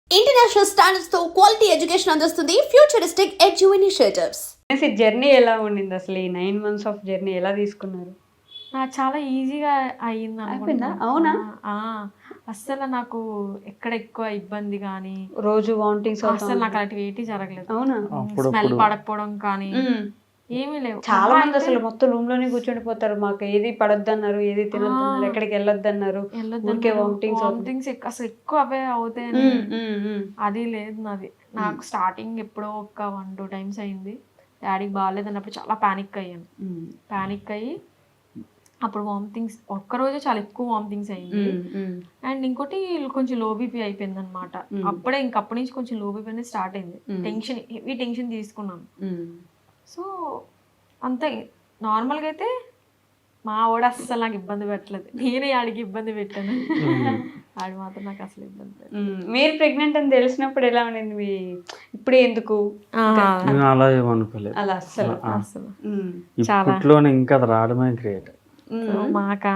International standards తో quality education అందిస్తుంది futuristic edu initiatives. Journey ఎలా ఉండింది అసలు? ఈ 9 months ఆఫ్ జర్నీ ఎలా తీసుకున్నారు? చాలా ఈజీగా అయ్యింది అయిపోయిందా? అనుకుంటున్నా. అవునా? అస్సలు నాకు ఎక్కడ ఎక్కువ ఇబ్బంది కానీ రోజు వామిటింగ్స్ అస్సలు నాకు అలాంటివి ఏంటి జరగలేదు. అవునా? స్మెల్ పడకపోవడం కానీ ఏమీ లేవు. చాలా మంది అసలు మొత్తం రూమ్ లోనే కూర్చుండిపోతారు. మాకు ఏది పడొద్దన్నారు, ఏది తినొద్దన్నారు, ఎక్కడికి వెళ్ళొద్దన్నారు, ఊరికే వామిటింగ్స్ అసలు ఎక్కువ అవే అవుతాయని అది లేదు నాది. నాకు స్టార్టింగ్ ఎప్పుడో ఒక 1-2 times అయింది. డాడీకి బాగాలేదు అన్నప్పుడు చాలా పానిక్ అయ్యాను. పానిక్ అయ్యి అప్పుడు వామిటింగ్స్ ఒక్కరోజే చాలా ఎక్కువ వామిటింగ్స్ అయింది. అండ్ ఇంకోటి కొంచెం లో బీపీ అయిపోయింది అనమాట. అప్పుడే ఇంకప్పటి నుంచి కొంచెం లో బీపీ అనేది స్టార్ట్ అయింది. టెన్షన్, హెవీ టెన్షన్ తీసుకున్నాను. సో అంతే. నార్మల్గా అయితే మా వాడు అస్సలు నాకు ఇబ్బంది పెట్టలేదు. నేనే ఆడికి ఇబ్బంది పెట్టాను. ఆడు మాత్రం నాకు అసలు ఇబ్బంది పెట్టలేదు. మీరు ప్రెగ్నెంట్ అని తెలిసినప్పుడు ఎలా ఉండింది? మీ ఇప్పుడే ఎందుకు అలా ఏమనుకోలేదు. అలా అస్సలు అసలు ఇప్పట్లోనే ఇంకా అది రావడమే గ్రేట్. మాకా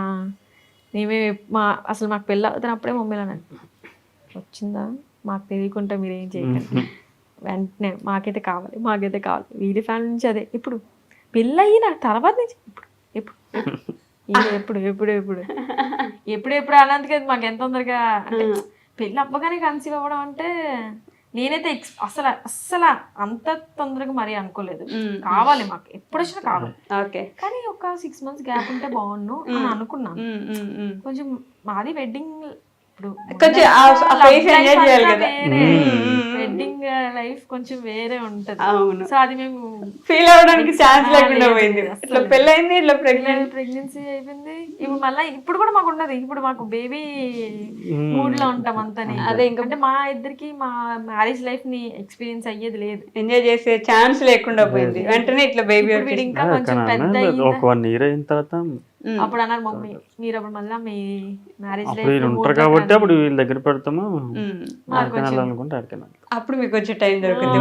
అసలు మాకు పెళ్ళి అవుతున్నప్పుడే మమ్మీలో వచ్చిందా మాకు తెలియకుండా మీరేం చేయకండి, వెంటనే మాకైతే కావాలి వీడి ఫ్యామిలీ నుంచి అదే. ఇప్పుడు పెళ్ళి అయిన తర్వాత నుంచి ఎప్పుడు అన్నందుకే మాకు ఎంత తొందరగా అంటే పెళ్ళి అవ్వగానే కన్సీవ్ అవ్వడం అంటే నేనైతే అస్సలు అంత తొందరగా మరీ అనుకోలేదు. కావాలి మాకు ఎప్పుడు వచ్చినా కావాలి, కానీ ఒక 6 months గ్యాప్ ఉంటే బాగుండు అని అనుకున్నాను. కొంచెం మాది వెడ్డింగ్, వెడ్డింగ్ లైఫ్ కొంచెం వేరే ఉంటది. సో అది మేము ఫీల్ అవడానికి ఛాన్స్ లేకుండా పోయింది. ఇట్లా పెళ్ళైంది, ఇట్లా ప్రెగ్నెన్సీ అయిపోయింది. ఇప్పుడు మళ్ళీ ఇప్పుడు కూడా మాకు ఉండదు. ఇప్పుడు మాకు బేబీ మూడ్ లో ఉంటాం అంతనే. అదే అంటే మా ఇద్దరికి మా మ్యారేజ్ లైఫ్ ని ఎక్స్పీరియన్స్ అయ్యేది లేదు, ఎంజాయ్ చేసే ఛాన్స్ లేకుండా పోయింది. వెంటనే ఇట్లా బేబీ ఇంకా కొంచెం పెద్ద ఒక 1 year అయిన తర్వాత అప్పుడు అన్నారు మమ్మీ మీరు అప్పుడు మళ్ళీ మీ మ్యారేజ్ లైఫ్ ఉంటారు కాబట్టి అప్పుడు వీళ్ళ దగ్గర పెడతాము అనుకుంటే అప్పుడు మీకు వచ్చే టైం దొరుకుతుంది.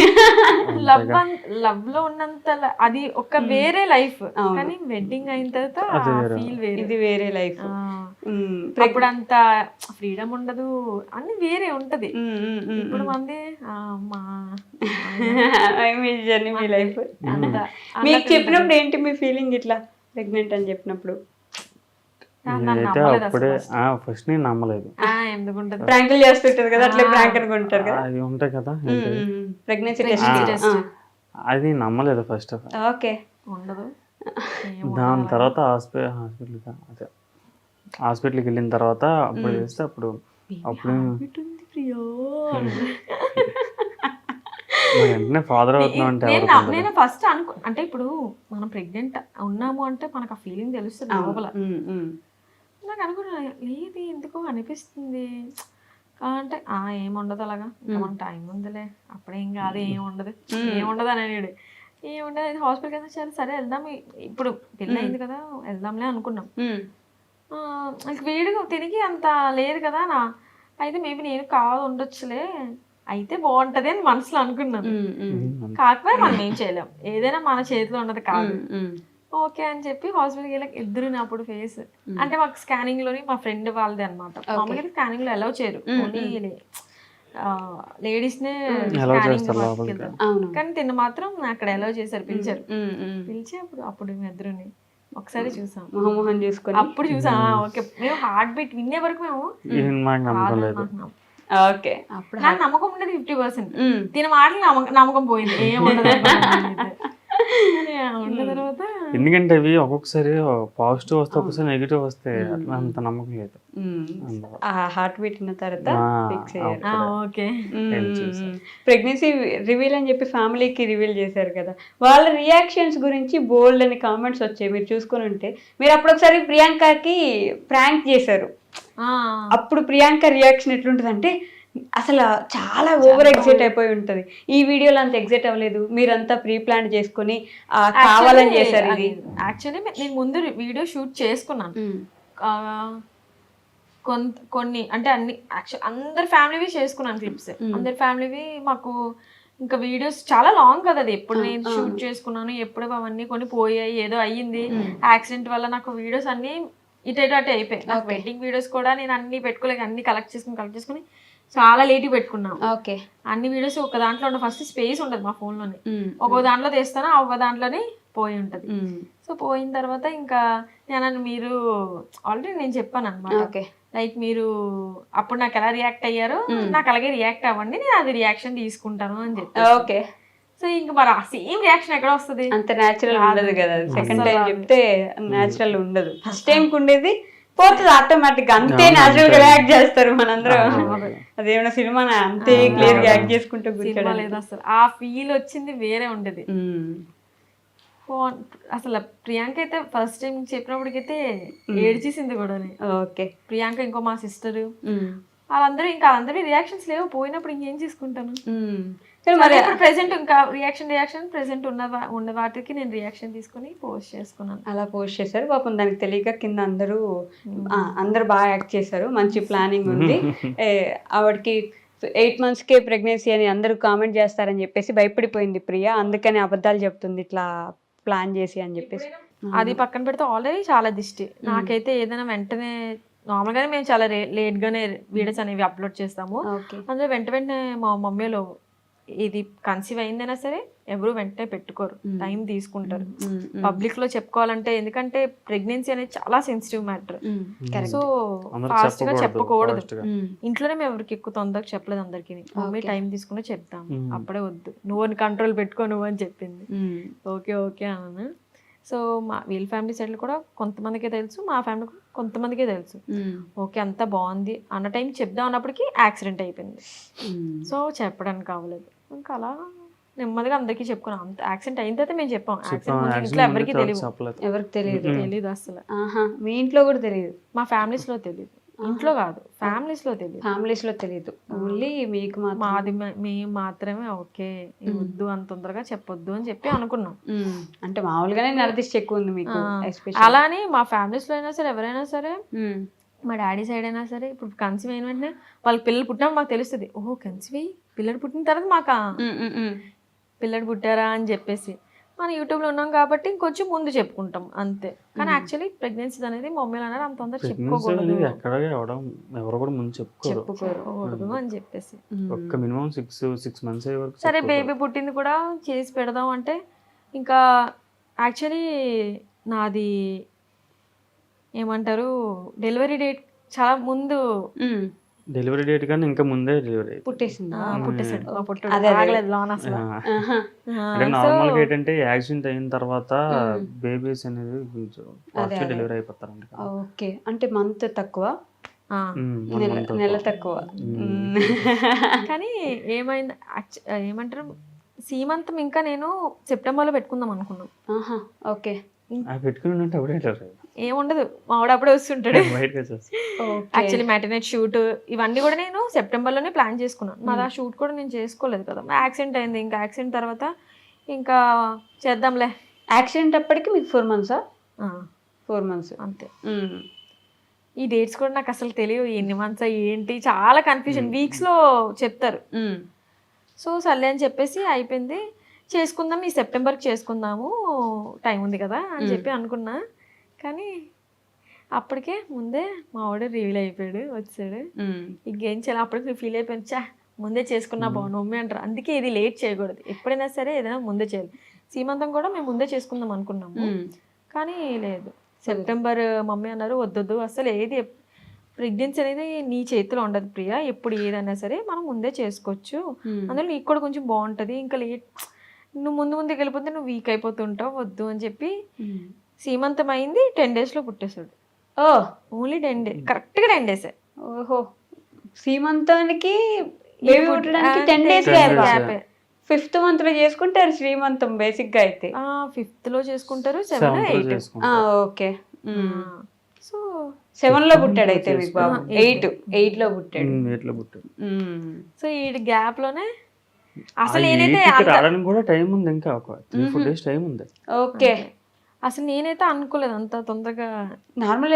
లవ్ లో ఉన్నంత అది ఒక వేరే లైఫ్, కానీ వెడ్డింగ్ అయిన తర్వాత ఫీల్ వేరే, ఇది వేరే లైఫ్. అప్పుడు అంత ఫ్రీడమ్ ఉండదు, అన్ని వేరే ఉంటది. ఇప్పుడు మంది మీ జర్నీ, మీ లైఫ్ మీకు చెప్పినప్పుడు ఏంటి మీ ఫీలింగ్? ఇట్లా ప్రెగ్నెంట్ అని చెప్పినప్పుడు అప్పుడే ఫస్ట్ నేను నమ్మలేదు. ప్రాంకులు చేస్తుంటారు కదా, అట్లా ప్రాంక్ అనుకుంటారు కదా, అది ఉంటాయి కదా ప్రెగ్నెన్సీ టెస్ట్. అది నమ్మలేదు ఫస్ట్ ఆఫ్ ఆల్. ఓకే. దాని తర్వాత హాస్పిటల్కి వెళ్ళిన తర్వాత అప్పుడు చేస్తే అప్పుడు వెంటనే ఫాదర్ అవుతున్నాం అంటే నేను ఫస్ట్ అంటే ఇప్పుడు మనం ప్రెగ్నెంట్ ఉన్నాము అంటే మనకు ఆ ఫీలింగ్ తెలుస్తుంది లోపల. నాకు అనుకున్నా లేదు ఎందుకో అనిపిస్తుంది అంటే ఏముండదు అలాగా, మన టైం ఉందిలే, అప్పుడేం కాదు, ఏముండదు అని అన్నాడు. ఏముండదు అయితే హాస్పిటల్కి వెళ్తే సరే వెళ్దాం, ఇప్పుడు పెళ్ళి అయింది కదా వెళ్దాంలే అనుకున్నాం. వీడిగా తిరిగి అంత లేదు కదా అయితే మేబీ నేను కాదు ఉండొచ్చులే, అయితే బాగుంటది అని మనసులో అనుకున్నాను. కాకపోతే మనం ఏం చేయలేం, ఏదైనా మన చేతిలో ఉన్నది కాదు. ఓకే అని చెప్పి హాస్పిటల్కి వెళ్ళాక ఇద్దరు అప్పుడు ఫేస్ అంటే మాకు స్కానింగ్ లోని మా ఫ్రెండ్ వాళ్ళదే అనమాట. మామూలుగా స్కానింగ్ లో అలౌ చేయరు, ఓన్లీ లేడీస్ నే స్కానింగ్, కానీ తిన్న మాత్రం అక్కడ అలౌ చేశారు, పిలిచి అప్పుడు మేము ఇద్దరుని ఒకసారి చూసాం, మొహం చూసుకొని అప్పుడు చూసాం. ఓకే, మేము హార్ట్ బీట్ వినే వరకు మేము ఓకే నాకు నమ్మకం ఉండేది 50%. తిన మాటలు నమ్మకం పోయింది, ఏముండదు తర్వాత. ఎందుకంటే అవి ఒక్కొక్కసారి పాజిటివ్ వస్తే ఒక్కొక్కసారి నెగిటివ్ వస్తే అంత నమ్మకం లేదు. హార్ట్ బీట్ అయిన తర్వాత ఓకే ప్రెగ్నెన్సీ రివీల్ అని చెప్పి ఫ్యామిలీకి రివీల్ చేశారు కదా, వాళ్ళ రియాక్షన్స్ గురించి బోల్డ్ అని కామెంట్స్ వచ్చాయి. మీరు చూసుకుని ఉంటే మీరు అప్పుడు ఒకసారి ప్రియాంకకి ప్రాంక్ చేశారు. అప్పుడు ప్రియాంక రియాక్షన్ ఎట్లుంటుంది అంటే అసలు చాలా ఓవర్ ఎగ్జైట్ అయిపోయి ఉంటది. ఈ వీడియోలో అంత ఎగ్జైట్ అవ్వలేదు, మీరంతా ప్రీ ప్లాన్ చేసుకుని కావాలని చేశారు. ఇది యాక్చువల్లీ నేను ముందు వీడియో షూట్ చేసుకున్నాను కొన్ని, అంటే అన్ని అందరి ఫ్యామిలీవి చేసుకున్నాను క్లిప్స్, అందరి ఫ్యామిలీవి. మాకు ఇంకా వీడియోస్ చాలా లాంగ్ కదా, అది ఎప్పుడు నేను షూట్ చేసుకున్నాను, ఎప్పుడు అవన్నీ కొన్ని పోయాయి, ఏదో అయ్యింది యాక్సిడెంట్ వల్ల. నాకు వీడియోస్ అన్ని ఇటు అయిపోయాయి. నాకు వెడ్డింగ్ వీడియోస్ కూడా నేను అన్ని పెట్టుకోలేక అన్ని కలెక్ట్ చేసుకుని చాలా లేట్ పెట్టుకున్నాం. ఓకే. అన్ని వీడియోస్ ఒక దాంట్లో ఉండదు, ఫస్ట్ స్పేస్ ఉండదు మా ఫోన్లోనే. ఒక దాంట్లో తీస్తాను, ఒక దాంట్లోనే పోయి ఉంటది. సో పోయిన తర్వాత ఇంకా మీరు ఆల్రెడీ నేను చెప్పాను అనమాట, లైక్ మీరు అప్పుడు నాకు ఎలా రియాక్ట్ అయ్యారో నాకు అలాగే రియాక్ట్ అవ్వండి, నేను అది రియాక్షన్ తీసుకుంటాను అని చెప్పి. ఓకే. సో ఇంకా మరి ఆ సేమ్ రియాక్షన్ ఎక్కడ వస్తుంది? అంత న్యాచురల్ ఉండదు కదా, సెకండ్ టైం చెప్తే న్యాచురల్ ఉండదు. ఫస్ట్ టైం ఉండేది పోతుంది ఆటోమేటిక్, అంతే న్యాచురల్ గా రియాక్ట్ చేస్తారు మనందరం. అదేమన్నా సినిమా అంతే క్లియర్ గా యాక్ట్ చేసుకుంటూ సినిమా లేదు అసలు. ఆ ఫీల్ వచ్చింది వేరే ఉండేది అసలు. ప్రియాంక అయితే ఫస్ట్ టైం చెప్పినప్పటికైతే ఏడ్చేసింది కూడా. ఓకే. ప్రియాంక ఇంకో మా సిస్టర్ వాళ్ళందరూ ఇంకా అందరి రియాక్షన్స్ లేవు, పోయినప్పుడు ఇంకేం చేసుకుంటాను. మరి ఇప్పుడు ప్రెసెంట్ ఇంకా రియాక్షన్ ప్రెసెంట్ ఉన్న వాటికి నేను రియాక్షన్ తీసుకుని పోస్ట్ చేసుకున్నాను. అలా పోస్ట్ చేశారు. పాపం దానికి తెలియక కింద అందరూ బాగా యాక్ట్ చేశారు, మంచి ప్లానింగ్ ఉంది. ఆవిడకి 8 monthsకే ప్రెగ్నెన్సీ అని అందరూ కామెంట్ చేస్తారని చెప్పేసి భయపడిపోయింది ప్రియా, అందుకని అబద్ధాలు చెప్తుంది ఇట్లా ప్లాన్ చేసి అని చెప్పేసి. అది పక్కన పెడితే ఆల్రెడీ చాలా దిష్టి. నాకైతే ఏదైనా వెంటనే నార్మల్గానే మేము చాలా లేట్గానే వీడియోస్ అనేవి అప్లోడ్ చేస్తాము. అందులో వెంటనే మా మమ్మీలో ఇది కన్సీవ్ అయిందైనా సరే ఎవరు వెంటనే పెట్టుకోరు, టైం తీసుకుంటారు పబ్లిక్ లో చెప్పుకోవాలంటే. ఎందుకంటే ప్రెగ్నెన్సీ అనేది చాలా సెన్సిటివ్ మ్యాటర్. సో ఫాస్ట్ గా చెప్పకూడదు. ఇంట్లోనే మేము ఎవరికి ఎక్కువ తొందరగా చెప్పలేదు అందరికి. మమ్మీ టైం తీసుకుని చెప్తాము, అప్పుడే వద్దు నువ్వు కంట్రోల్ పెట్టుకో నువ్వు అని చెప్పింది. ఓకే ఓకే అన్నాను. సో వీళ్ళ ఫ్యామిలీ సైడ్ కూడా కొంతమందికే తెలుసు, మా ఫ్యామిలీ కొంతమందికే తెలుసు. ఓకే అంతా బాగుంది అన్న టైం చెప్దాం అన్నప్పటికీ యాక్సిడెంట్ అయిపోయింది. సో చెప్పడానికి అవ్వలేదు. ఇంకా అలా నెమ్మదిగా అందరికీ చెప్పుకున్నాం. అంత యాక్సిడెంట్ అయిన తర్వాత మేము చెప్పాం. యాక్సిడెంట్ ఇంట్లో ఎవరికి తెలియదు అసలు. మీ ఇంట్లో కూడా తెలియదు? మా ఫ్యామిలీస్ లో తెలియదు, ఇంట్లో కాదు ఫ్యామిలీస్ లో తెలియదు. ఓన్లీ మీకు మాది మేము మాత్రమే ఓకే వద్దు అంత తొందరగా చెప్పొద్దు అని చెప్పి అనుకున్నాం. అంటే మామూలుగానే నరదిష్టి ఎక్కువ ఉంది మీకు. అలానే మా ఫ్యామిలీస్ లో అయినా సరే ఎవరైనా సరే, మా డాడీ సైడ్ అయినా సరే, ఇప్పుడు కన్సీవ్ అయిన వెంటనే వాళ్ళకి పిల్లలు పుట్టినప్పుడు మాకు తెలుస్తుంది, ఓహో కన్సీవ్ అయ్యి పిల్లలు పుట్టిన తర్వాత మాకు పిల్లలు పుట్టారా అని చెప్పేసి. మనం యూట్యూబ్లో ఉన్నాం కాబట్టి ఇంకొంచెం ముందు చెప్పుకుంటాం అంతే. కానీ యాక్చువల్లీ ప్రెగ్నెన్సీ అనేది మమ్మీలు అన్నారు అంత తొందర చెప్పుకోకూడదు అని చెప్పేసి. సరే బేబీ పుట్టింది కూడా చేసి పెడదాం అంటే ఇంకా యాక్చువల్లీ నాది ఏమంటారు డెలివరీ డేట్ చాలా ముందు. డెలివరీ డేట్ కానీ ఇంకా ముందే డెలివరీ పుట్టేసాడు. నార్మల్ గా ఏంటంటే యాక్సిడెంట్ అయిన తర్వాత బేబీస్ అనేది కొంచెం డెలివరీ అయిపోతారంట. ఓకే. అంటే మంత్ తక్కువ, నెల తక్కువ. కానీ ఏమైంది ఏమంటారు సీమంతం ఇంకా నేను సెప్టెంబర్లో పెట్టుకుందాం అనుకున్నాం. ఓకే. పెట్టుకుని ఏముండదు మా ఆవిడ అప్పుడే వస్తుంటాడు. యాక్చువల్లీ మ్యాటర్నెట్ షూట్ ఇవన్నీ కూడా నేను సెప్టెంబర్లోనే ప్లాన్ చేసుకున్నాను. మరి ఆ షూట్ కూడా నేను చేసుకోలేదు కదా, యాక్సిడెంట్ అయింది. ఇంకా యాక్సిడెంట్ తర్వాత ఇంకా చేద్దాంలే. యాక్సిడెంట్ అప్పటికి మీకు 4 months? 4 months అంతే. ఈ డేట్స్ కూడా నాకు అసలు తెలియదు, ఎన్ని మంత్స్ ఏంటి చాలా కన్ఫ్యూజన్. వీక్స్లో చెప్తారు. సో సర్లే అని చెప్పేసి అయిపోయింది. చేసుకుందాం ఈ సెప్టెంబర్కి చేసుకుందాము టైం ఉంది కదా అని చెప్పి అనుకున్నా. కానీ అప్పటికే ముందే మా వాడు రివీల్ అయిపోయాడు, వచ్చాడు. ఇంకేం చేయాలి అప్పటికి ఫీల్ అయిపోయింది, చా ముందే చేసుకున్నా బాగుండు మమ్మీ అంటారు. అందుకే ఇది లేట్ చేయకూడదు, ఎప్పుడైనా సరే ఏదైనా ముందే చేయాలి. సీమంతం కూడా మేము ముందే చేసుకుందాం అనుకున్నాము, కానీ లేదు. సెప్టెంబర్ మమ్మీ అన్నారు వద్దొద్దు అసలు ఏది ప్రెగ్నెన్సీ అనేది నీ చేతిలో ఉండదు ప్రియా, ఎప్పుడు ఏదైనా సరే మనం ముందే చేసుకోవచ్చు, అందులో నీకు కూడా కొంచెం బాగుంటుంది. ఇంకా లేట్ నువ్వు ముందుకు వెళ్ళిపోతే నువ్వు వీక్ అయిపోతుంటావు, వద్దు అని చెప్పి. సీమంతం అయింది 10 daysలో పుట్టేశాడు. ఓన్లీ 10 days, కరెక్ట్గా 10 days. ఓహో. సీమంతానికి బేబీ పుట్టడానికి 10 days గ్యాప్. 5th month లో చేసుకుంటారు శ్రీమంతం బేసిక్ గా అయితే. 5th లో చేసుకుంటారు, 7, 8. ఓకే. సో 7 లో పుట్టాడు అయితే మీకు బాబు. 8 లో పుట్టాడు. సో ఈ గ్యాప్ లోనే అసలు నేనైతే రావడానికి కూడా టైం ఉంది, ఇంకా ఒక 3-4 days టైం ఉంది. ఓకే. అసలు నేనైతే అనుకోలేదు అంత తొందరగా. నార్మల్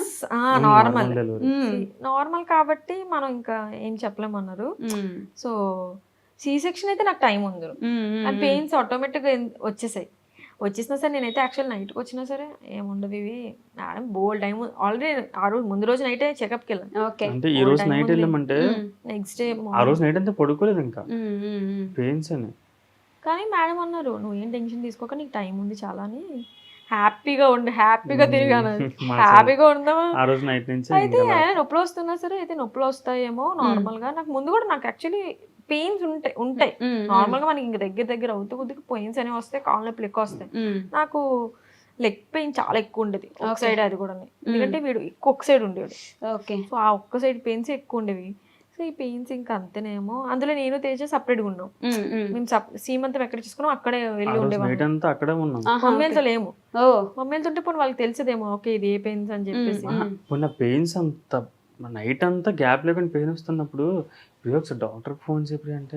నార్మల్ కాబట్టి మనం ఇంకా ఏం చెప్పలేమన్నారు. సో సి సెక్షన్ అయితే నాకు టైం ఉంది, పెయిన్స్ ఆటోమేటిక్ గా వచ్చేసాయి. వచ్చేసినా సరే నేనైతే యాక్చువల్ నైట్కి వచ్చినా సరే ఏముండదు ఇవి మేడం బోల్ టైం ఆల్రెడీ ఆ రోజు ముందు రోజు నైటే చెకప్కి వెళ్ళాను. ఓకే. అంటే ఈ రోజు నైట్ వెళ్ళామంటే నెక్స్ట్ డే ఆ రోజు నైట్ అంతా పడుకోలేదు ఇంకా పెయిన్స్ అని. కానీ మేడం అన్నారు నువ్వు ఏం టెన్షన్ తీసుకోక నీకు టైం ఉంది చాలా అని, హ్యాపీగా ఉండు, హ్యాపీగా తిరిగాను, హ్యాపీగా ఉందామా. ఆ రోజు నైట్ నుంచి అయితే నొప్పులు వస్తున్నా సరే అయితే నొప్పులు వస్తాయేమో నార్మల్ గా. నాకు ముందు కూడా నాకు యాక్చువల్లీ పెయిన్స్ ఉంటాయి నార్మల్ గా, మనకి ఇంక దగ్గర అవుతూ కొద్దిగా పెయిన్స్ అనేవి వస్తాయి, కాళ్ళ నొప్పులు ఎక్కువ వస్తాయి. నాకు లెగ్ పెయిన్ చాలా ఎక్కువ ఉండేది ఒక సైడ్, అది కూడా ఎందుకంటే వీడు ఒక్క సైడ్ ఉండేవాడు. ఓకే. సో ఆ ఒక్క సైడ్ పెయిన్స్ ఎక్కువ ఉండేవి. సో ఈ పెయిన్స్ ఇంకా అంతేనేమో. అందులో నేను తేజ సపరేట్గా ఉన్నాం, మేము సీమంతం ఎక్కడ చూసుకున్నాం అక్కడే వెళ్ళి ఉండేవాళ్ళం. అక్కడే ఉన్నాం, మమ్మీలతో లేము. మమ్మీలతో ఉంటే పోనీ వాళ్ళకి తెలిసేదేమో ఓకే ఇది ఏ పెయిన్స్ అని చెప్పేసి. పెయిన్స్ అంత నైట్ అంతా గ్యాప్ లేకుండా పెయిన్ వస్తున్నప్పుడు ఒకసారి డాక్టర్ ఫోన్ చెప్పి అంటే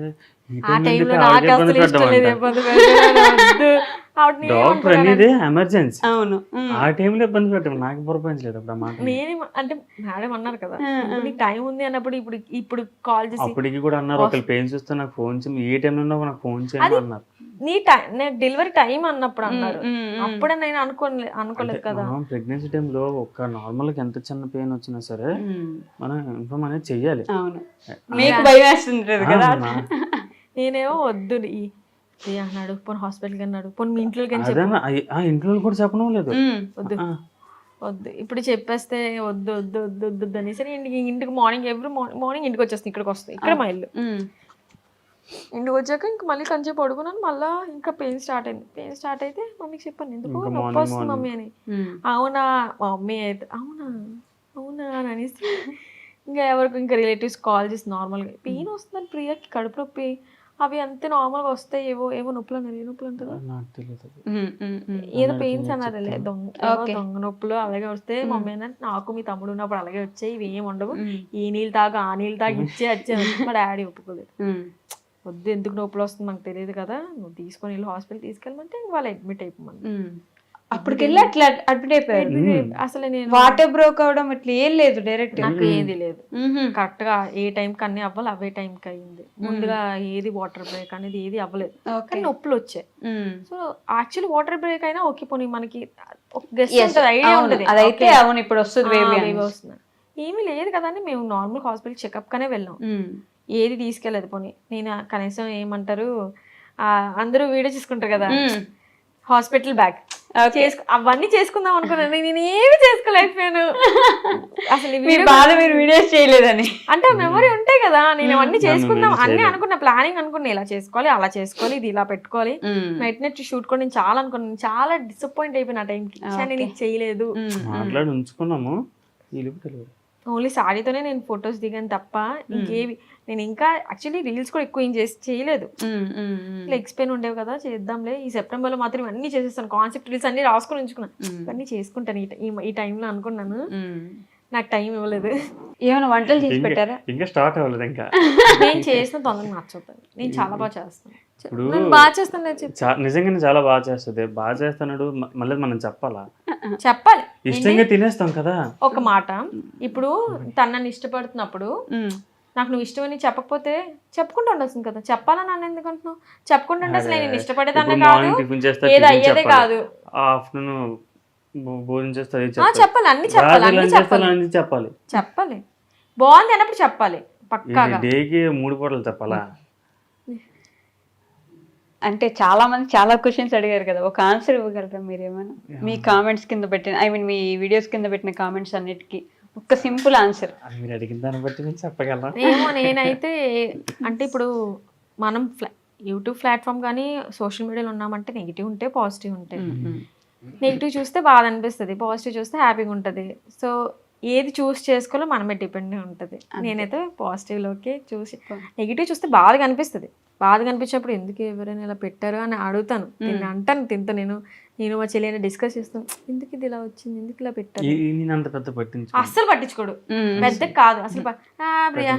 డాక్టర్ అనేది ఎమర్జెన్సీ. అవును. ఆ టైంలో ఇబ్బంది పెట్టాము, నాకు పురపించలేదు అప్పుడు మాట. నేనే అంటే మేడం అన్నారు కదా నీకు టైం ఉంది అన్నప్పుడు ఇప్పుడు కాల్ చేసి అప్పటికి కూడా అన్నారు ఒకళ్ళు పెయిన్స్ వస్తే నాకు ఫోన్ చేయండి, ఏ టైంలో ఉన్నా నాకు ఫోన్ చేయండి అన్నారు. నీ డెలివరీ టైం అన్నప్పుడు అన్నారు, అప్పుడే నేను అనుకోలేదు కదా. ప్రెగ్నెన్సీ టైంలో ఒక నార్మల్ గా ఎంత చిన్న పెయిన్ వచ్చినా సరే మనం ఇన్ఫార్మ్ అనేది చెయ్యాలి. మీకు భయం వేస్తుంది కదా. నేనేమో వద్దు అన్నాడు, పోనీ హాస్పిటల్కి అన్నాడు, పోనీ మీ ఇంట్లోకి ఇంట్లో కూడా చెప్పడం లేదు, వద్దు వద్దు ఇప్పుడు చెప్పేస్తే వద్దు వద్దు వద్దు వద్దు అనేసి ఇంటికి మార్నింగ్ ఎవ్రీ మార్నింగ్ ఇంటికి వచ్చేస్తాను, ఇక్కడికి వస్తాయి, ఇక్కడ మా ఇల్లు. ఇంటికి వచ్చాక ఇంక మళ్ళీ కొంచెం పడుకున్నాను, మళ్ళీ ఇంకా పెయిన్ స్టార్ట్ అయింది. పెయిన్ స్టార్ట్ అయితే మమ్మీకి చెప్పాను ఎందుకు నొప్పి వస్తుంది మమ్మీ అని. అవునా మమ్మీ అయితే అవునా అవునా అని అనేసి ఇంకా ఎవరికి ఇంకా రిలేటివ్స్ కాల్ చేసి నార్మల్గా పెయిన్ వస్తుందని ప్రియాకి కడుపు నొప్పి అవి అంతే నార్మల్గా వస్తాయి, ఏవో నొప్పులు అన్నారు. ఏ నొప్పులు అంటారు ఏదో పెయిన్స్ అన్నారు, దొంగ నొప్పులు అలాగే వస్తే మమ్మీ అన్నట్టు నాకు మీ తమ్ముడు ఉన్నప్పుడు అలాగే వచ్చాయి, ఇవి ఏమి ఉండవు, ఈ నీళ్ళు తాగు ఆ నీళ్ళు తాగి వచ్చే మా డాడీ ఒప్పుకోలేదు. వద్దు ఎందుకు నొప్పులు వస్తుంది మాకు తెలియదు కదా, నువ్వు తీసుకొని వెళ్ళి హాస్పిటల్ తీసుకెళ్ళమంటే వాళ్ళు అడ్మిట్ అయిపోమని. అప్పటికెళ్ళి అట్లా అడ్మిట్ అయిపోయారు. అసలు నేను వాటర్ బ్రోక్ అవడం ఇట్లా ఏం లేదు, డైరెక్ట్ నాకు ఏది లేదు, కరెక్ట్ గా ఏ టైంకి అన్ని అవ్వాలి అవే టైంకి అయింది. ముందుగా ఏది వాటర్ బ్రేక్ అనేది ఏది అవ్వలేదు, కానీ నొప్పులు వచ్చాయి. సో యాక్చువల్లీ వాటర్ బ్రేక్ అయినా ఓకే పోనీ మనకి ఐడియా ఉండదు, అదైతే అవును ఇప్పుడు వస్తుంది వస్తుంది ఏమీ లేదు కదా అని మేము నార్మల్ హాస్పిటల్ చెకప్ కనే వెళ్ళాం, ఏది తీసుకెళ్ళదు. పోనీ నేను కనీసం ఏమంటారు అందరూ వీడియో చేసుకుంటారు కదా హాస్పిటల్ బ్యాగ్ అవన్నీ చేసుకుందాం అనుకున్నాను, నేను ఏమి చేసుకోలేకపోయాను. అసలు మీరు వీడియోస్ చేయలేదని అంటే మెమరీ ఉంటాయి కదా, నేను అవన్నీ చేసుకుందాం అన్ని అనుకున్నా, ప్లానింగ్ అనుకున్నా, ఇలా చేసుకోవాలి అలా చేసుకోవాలి ఇది ఇలా పెట్టుకోవాలి, నైట్ నైట్ షూట్ కూడా నేను చాలా అనుకున్నాను. చాలా డిసప్పాయింట్ అయిపోయిన ఆ టైంకి, నేను ఇది చేయలేదు. ఓన్లీ సారీతోనే నేను ఫొటోస్ దిగాను తప్ప ఇంకేవి నేను ఇంకా యాక్చువల్లీ రీల్స్ కూడా ఎక్కువ ఏం చేయలేదు. లెగ్స్ పెయిన్ ఉండేవి కదా చేద్దాంలే ఈ సెప్టెంబర్ లో మాత్రం ఇవన్నీ చేసేస్తాను, కాన్సెప్ట్ రీల్స్ అన్ని రాసుకొని ఉంచుకున్నాను, ఇవన్నీ చేసుకుంటాను ఈ టైంలో అనుకున్నాను. నాకు టైం ఇవ్వలేదు. ఏమైనా వంటలు చేసి పెట్టారా? ఇంకా స్టార్ట్ అవ్వలేదు. ఇంకా నేను చేసిన తొందరగా నచ్చుతాను, నేను చాలా బాగా చేస్తాను, బాగా చేస్తాను, నిజంగానే చాలా బాగా చేస్తుంది. బాగా చేస్తాడు మళ్ళీ మనం చెప్పాలి, ఇష్టంగా తినేస్తాం కదా. ఒక మాట ఇప్పుడు తనని ఇష్టపడుతున్నప్పుడు నాకు నువ్వు ఇష్టమని చెప్పకపోతే చెప్పుకుంటూ ఉండాల్సింది కదా, చెప్పాలని నన్ను ఎందుకు అంటున్నావు? చెప్పుకుంటుంటే అసలు నేను ఇష్టపడేదాన్ని కాదు, ఏదో అయ్యేదే కాదు. ఆఫ్టర్నూన్ భోజనం చేస్తే చెప్పాలి, అన్ని చెప్పాలి, చెప్పాలి బాగుంది అన్నప్పుడు చెప్పాలి పక్కాగా. డేకి 3 పూటలు చెప్పాలా? అంటే చాలా మంది చాలా క్వశ్చన్స్ అడిగారు కదా, ఒక ఆన్సర్ ఇవ్వగలరా మీరేమైనా? మీ కామెంట్స్ కింద పెట్టిన మీ వీడియోస్ కింద పెట్టిన కామెంట్స్ అన్నిటికీ ఒక సింపుల్ ఆన్సర్. మీరు అడిగిన దాన్ని బట్టి నేను చెప్పగలను. ఏమో నేనైతే అంటే ఇప్పుడు మనం యూట్యూబ్ ప్లాట్ఫామ్ కానీ సోషల్ మీడియాలో ఉన్నామంటే నెగిటివ్ ఉంటే పాజిటివ్ ఉంటాయి. నెగిటివ్ చూస్తే బాధ అనిపిస్తుంది, పాజిటివ్ చూస్తే హ్యాపీగా ఉంటుంది. సో ఏది చూస్ చేసుకోవాలో మనమే డిపెండ్ ఉంటుంది. నేనైతే పాజిటివ్లోకి చూసి, నెగిటివ్ చూస్తే బాధగా అనిపిస్తుంది. బాధగా అనిపించినప్పుడు ఎందుకు ఎవరైనా ఇలా పెట్టారు అని అడుగుతాను, నేను అంటాను తింటూ, నేను మా చెల్లి డిస్కస్ చేస్తాను, ఎందుకు ఇది ఇలా వచ్చింది, ఎందుకు ఇలా పెట్టారు, అస్సలు పట్టించుకోడు, పెద్ద కాదు అసలు. ప్రియా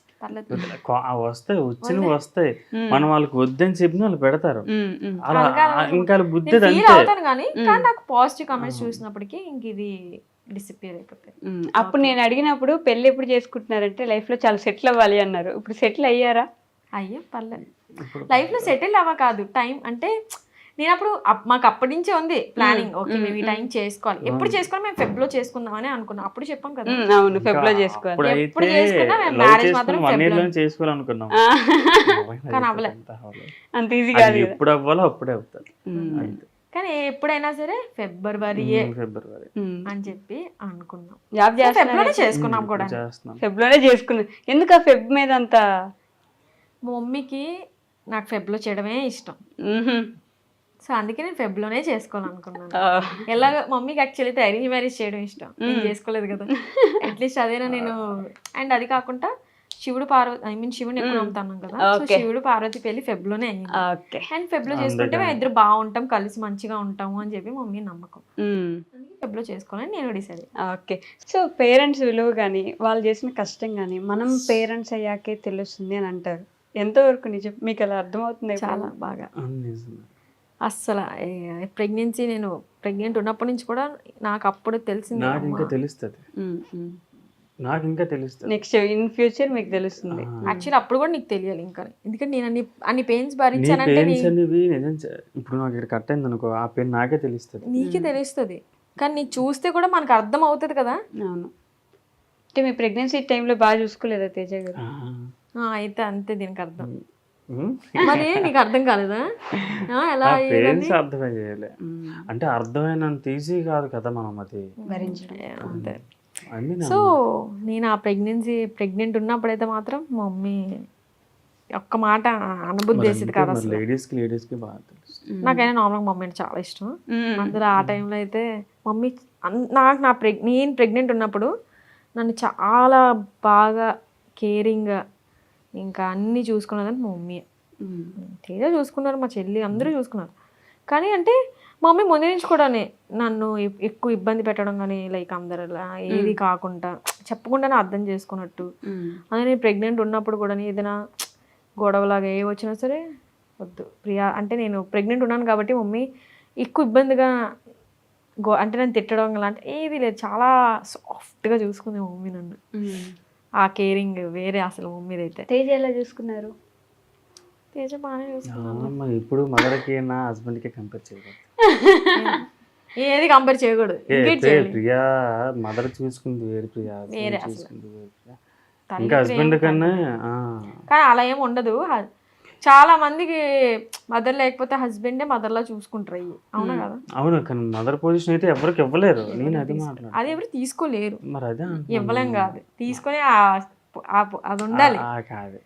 వస్తాయి మనం వాళ్ళకి వద్దని చెప్పిన వాళ్ళు పెడతారు, ఇంకా బుద్ధి అవుతాను. కానీ నాకు పాజిటివ్ కామెంట్స్ చూసినప్పటికీ ఇంక ఇది డిసిపియర్ అయిపోతాయి. అప్పుడు నేను అడిగినప్పుడు పెళ్లి ఎప్పుడు చేసుకుంటున్నారంటే లైఫ్ లో చాలా సెటిల్ అవ్వాలి అన్నారు. ఇప్పుడు సెటిల్ అయ్యారా? అయ్యే పర్లేదు, లైఫ్ లో సెటిల్ అవ్వ కాదు, టైం అంటే నేను అప్పుడు మాకు అప్పటి నుంచే ఉంది ప్లానింగ్, ఓకే మేము ఈ టైం చేసుకోవాలి, ఎప్పుడు చేసుకోవాలి, మేము ఫెబ్ లో చేసుకుందామని అనుకున్నాం. అప్పుడు చెప్పాం కదా, అవును ఫెబ్ లో చేసుకోవాలి. ఎప్పుడు చేసుకున్నా మేము మ్యారేజ్ మాత్రం చేసుకోవాలనుకున్నాం, కానీ అవ్వలే. అంత ఈజీ కాదు కదా. ఎప్పుడు అవ్వాలో అప్పుడే అవుతుంది. కానీ ఎప్పుడైనా సరే ఫిబ్రవరి అని చెప్పి అనుకున్నాం. జాబ్ ఫెబ్ లోనే చేసుకున్నాం కూడా. ఫెబ్ లోనే చేసుకున్నాం. ఎందుకు ఆ ఫెబ్ మీద అంత? మా మమ్మీకి నాకు ఫెబ్ లో చేయడమే ఇష్టం, సో అందుకే నేను ఫెబ్ లోనే చేసుకోవాలనుకున్నాను. ఎలాగ మమ్మీకి యాక్చువల్లీ అయితే అరేంజ్ మ్యారేజ్ చేయడం ఇష్టం, నేను చేసుకోలేదు కదా, అట్లీస్ట్ అదేనా నేను. అండ్ అది కాకుండా శివుడు పార్వతి, శివుని ఎక్కువ నమ్ముతాను కదా, సో శివుడు పార్వతి పెళ్లి ఫెబ్ లోనే అయింది. అండ్ ఫెబ్ లో చేసుకుంటే మేము ఇద్దరు బాగుంటాం, కలిసి మంచిగా ఉంటాము అని చెప్పి మమ్మీ నమ్మకం. ఫెబ్ లో చేసుకోవాలని నేను డిసైడ్. ఓకే. సో పేరెంట్స్ విలువ కానీ వాళ్ళు చేసిన కష్టం కానీ మనం పేరెంట్స్ అయ్యాకే తెలుస్తుంది అని అంటారు. ఎంతవరకు నిజం? మీకు అలా అర్థమవుతుంది? చాలా బాగా. అస్సలు ప్రెగ్నెన్సీ, నేను ప్రెగ్నెంట్ ఉన్నప్పటి నుంచి కూడా నాకు అప్పుడు తెలిసింది. నాకు ఇంకా తెలుస్తుంది నెక్స్ట్ ఇన్ ఫ్యూచర్ మీకు తెలుస్తుంది. యాక్చువల్లీ అప్పుడు కూడా నీకు తెలియాలి ఇంకా, ఎందుకంటే నేను అన్ని పెయిన్స్ భరించానంటే. ఇప్పుడు నాకు ఇక్కడ కట్ అయింది అనుకో, ఆ పెయిన్ నాకే తెలుస్తుంది, నీకే తెలుస్తుంది, కానీ నీకు చూస్తే కూడా మనకు అర్థం అవుతుంది కదా. అవును. అంటే మీ ప్రెగ్నెన్సీ టైంలో బాగా చూసుకోలేదా తేజ గారు? అయితే అంతే దీనికి అర్థం. మరి నీకు అర్థం కాలేదా? ఎలా అర్థమే చేయలే అంటే అర్థమైనంత ఈజీ కాదు కదా మనం అది భరించడం. అంతే. సో నేను ఆ ప్రెగ్నెంట్ ఉన్నప్పుడైతే మాత్రం మా మమ్మీ ఒక్క మాట అనుభూతి చేసేది కాదు అసలు. లేడీస్కి బాగా తెలుసు. నాకైనా నార్మల్గా మమ్మీ అంటే చాలా ఇష్టం. అందులో ఆ టైంలో అయితే మమ్మీ నేను ప్రెగ్నెంట్ ఉన్నప్పుడు నన్ను చాలా బాగా కేరింగ్గా ఇంకా అన్నీ చూసుకున్నదని మా మమ్మీ. తేజ చూసుకున్నారు, మా చెల్లి అందరూ చూసుకున్నారు. కానీ అంటే మా మమ్మీ ముందు నుంచి కూడా నన్ను ఎక్కువ ఇబ్బంది పెట్టడం కానీ, లైక్ అందరిలా ఏది కాకుండా చెప్పకుండానే అర్థం చేసుకున్నట్టు. అదే నేను ప్రెగ్నెంట్ ఉన్నప్పుడు కూడా ఏదైనా గొడవలాగా ఏ వచ్చినా సరే వద్దు ప్రియా, అంటే నేను ప్రెగ్నెంట్ ఉన్నాను కాబట్టి మమ్మీ ఎక్కువ ఇబ్బందిగా అంటే నన్ను తిట్టడం అలాంటి ఏది లేదు, చాలా సాఫ్ట్గా చూసుకుంది మా మమ్మీ నన్ను. ఆ కేరింగ్ వేరే అసలు మమ్మీది అయితే. తేజ ఎలా చూసుకున్నారు? తేజ బాగానే చూసుకున్నాను. ఇప్పుడు మదర్కి నా హస్బెండ్కి కంపేర్ చేయకూడదు, ఏది కంపేర్ చేయకూడదు. ప్రియా మదర్ చూసుకుంది వేరు, ప్రియా చూసుకుంది వేరు, ఇంకా హస్బెండ్ కన్నా. కానీ అలా ఏమి ఉండదు. చాలా మందికి మదర్ లేకపోతే హస్బెండే మదర్లా చూసుకుంటారు. అవునా కదా? అవును, కానీ మదర్ పొజిషన్ అయితే ఎవరికి ఇవ్వలేరు. నేను అది మాట్లాడు, అది ఎవరు తీసుకోలేరు. మరి అదే ఇవ్వలేం కాదు, తీసుకొని అది ఉండాలి. కాదు.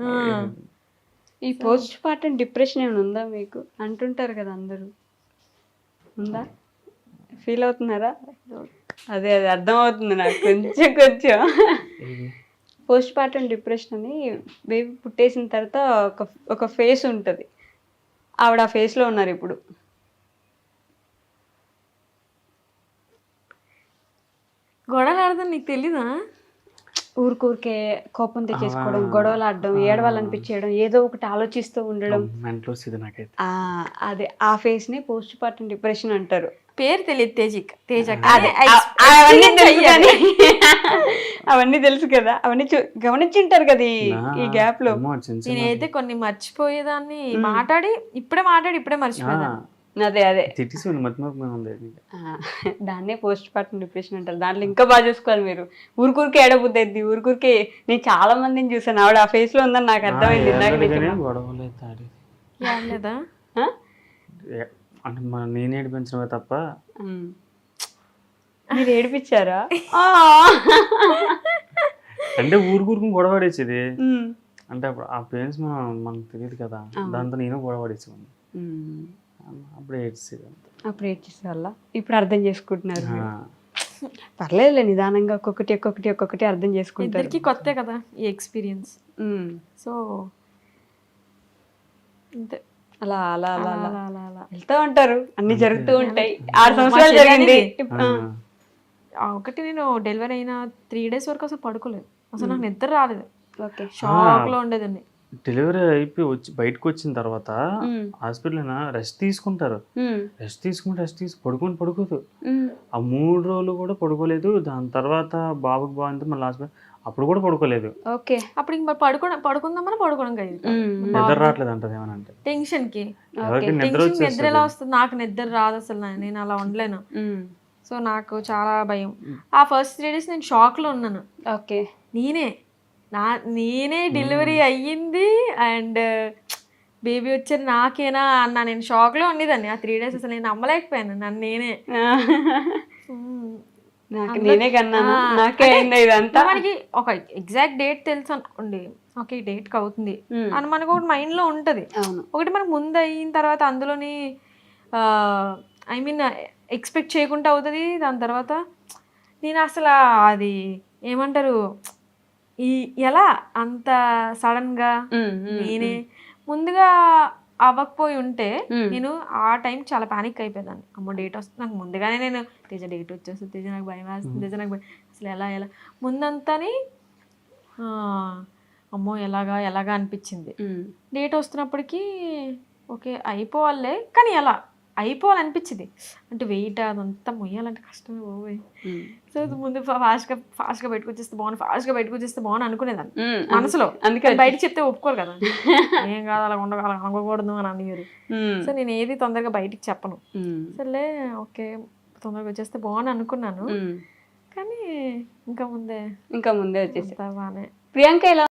ఈ పోస్ట్ పార్టం డిప్రెషన్ ఏమైనా ఉందా మీకు? అంటుంటారు కదా అందరూ, ఉందా? ఫీల్ అవుతున్నారా? అదే అర్థమవుతుంది నాకు కొంచెం. పోస్ట్ పార్టం డిప్రెషన్ అని బేబీ పుట్టేసిన తర్వాత ఒక ఫేస్ ఉంటుంది, ఆవిడ ఆ ఫేస్లో ఉన్నారు ఇప్పుడు. గొడవలు ఆడదాం నీకు తెలీదా? ఊరికే కోపం తెచ్చేసుకోవడం, గొడవలు ఆడడం, ఏడవాలనిపించడం, ఏదో ఒకటి ఆలోచిస్తూ ఉండడం, అదే ఆ ఫేస్ ని పోస్ట్ పార్టం డిప్రెషన్ అంటారు. పేరు తెలియదు తేజ. అవన్నీ తెలుసు కదా, అవన్నీ గమనించుంటారు కదా ఈ గ్యాప్ లో. నేనైతే కొన్ని మర్చిపోయేదాన్ని, ఇప్పుడే మర్చిపోయేదాన్ని. అదే దాన్నే పోస్ట్ పార్టం డిప్రెషన్ అంటారు. దాంట్లో ఇంకా బాగా చూసుకోవాలి మీరు. ఊరికే ఏడబుద్ది అయింది, ఊరికే. నేను చాలా మందిని చూసాను, ఆవిడ ఆ ఫేస్ లో ఉందని నాకు అర్థమైంది. అంటే నేను ఏడిపించడమే తప్ప. మీరు ఏడిపించారా? అంటే ఊరుకు గొడవ పడేసేది. అంటే అప్పుడు ఆ పెయిన్స్ మనకు తెలియదు కదా, దాంతో నేను గొడవ పడేసేవాడిని. అప్పుడు ఏడ్చేసే వల్ల ఇప్పుడు అర్థం చేసుకుంటున్నారు. పర్లేదులే, నిదానంగా ఒక్కొక్కటి అర్థం చేసుకుంటారు. కొత్త కదా ఈ ఎక్స్పీరియన్స్. సో అంతే, అలా అలా అలా అలా అలా అలా వెళ్తూ ఉంటారు, అన్ని జరుగుతూ ఉంటాయి. 6 సంవత్సరాలు జరిగింది. ఒకటి నేను డెలివరీ అయిన 3 days వరకు అసలు పడుకోలేదు, అసలు నాకు నిద్ర రాలేదు. షాక్ లో ఉండేదాన్ని. డెలివరీ అయిపోయి బయటకు వచ్చిన తర్వాత హాస్పిటల్ రెస్ట్ తీసుకుంటారు, రెస్ట్ పడుకోదు. ఆ 3 రోజులు కూడా పడుకోలేదు. దాని తర్వాత బాబుకి బాగుంది, మళ్ళీ హాస్పిటల్ అప్పుడు కూడా పడుకోలేదు. ఓకే. అప్పుడు ఇంక మరి పడుకుందామని పడుకోవడం కాదు నిద్ర రావట్లేదు అంటది ఏమనంటే. టెన్షన్ కి ఎవరికి నిద్ర టెన్షన్ నిద్ర ఎలా వచ్చేస్తుంది. వస్తుంది? నాకు నిద్ర రాదు అసలు, నేను అలా ఉండలేను. సో నాకు చాలా భయం. ఆ ఫస్ట్ 3 days నేను షాక్ లో ఉన్నాను. ఓకే. నేనే డెలివరీ అయ్యింది అండ్ బేబీ వచ్చారు నాకేనా అన్న నేను షాక్ లో ఉండేదాన్ని. ఆ 3 days అసలు నేను నమ్మలేకపోయాను నన్ను నేనే. నేనే కన్నా నాకే అయింది ఇదంతా. మనకి ఒక ఎగ్జాక్ట్ డేట్ తెలుసు అనుకోండి, ఓకే డేట్ కి అవుతుంది అని మనకు ఒకటి మైండ్ లో ఉంటది. ఒకటి మనకు ముందు అయిన తర్వాత అందులోని ఐ మీన్ ఎక్స్పెక్ట్ చేయకుండా అవుతుంది. దాని తర్వాత నేను అసలు అది ఏమంటారు ఎలా అంత సడన్ గా నేనే ముందుగా అవ్వకపోయి ఉంటే నేను ఆ టైం చాలా పానిక్ అయిపోయేదాన్ని. అమ్మో డేట్ వస్తుంది నాకు ముందుగానే, నేను తేజ డేట్ వచ్చేస్తుంది, తేజ నాకు భయం వేస్తుంది, తేజ నాకు అసలు ఎలా ముందంతాని అమ్మో ఎలాగా అనిపించింది. డేట్ వస్తున్నప్పటికీ ఓకే అయిపోవాలే, కానీ ఎలా అయిపోవాలనిపించింది. అంటే వెయిట్ అదంతా మొయ్యాలంటే కష్టమే పోయి. సో ముందు ఫాస్ట్గా పెట్టుకొచ్చేస్తే బాగుంది అనుకునేదాన్ని మనసులో. అందుకే బయట చెప్తే ఒప్పుకోరు కదా, ఏం కాదు అలా ఉండకూడదు అని అనేవారు. సో నేను ఏది తొందరగా బయటికి చెప్పను. సర్లే ఓకే తొందరగా వచ్చేస్తే బాగుంది అనుకున్నాను, కానీ ఇంకా ముందే వచ్చేసి బాగానే. ప్రియాంక ఎలా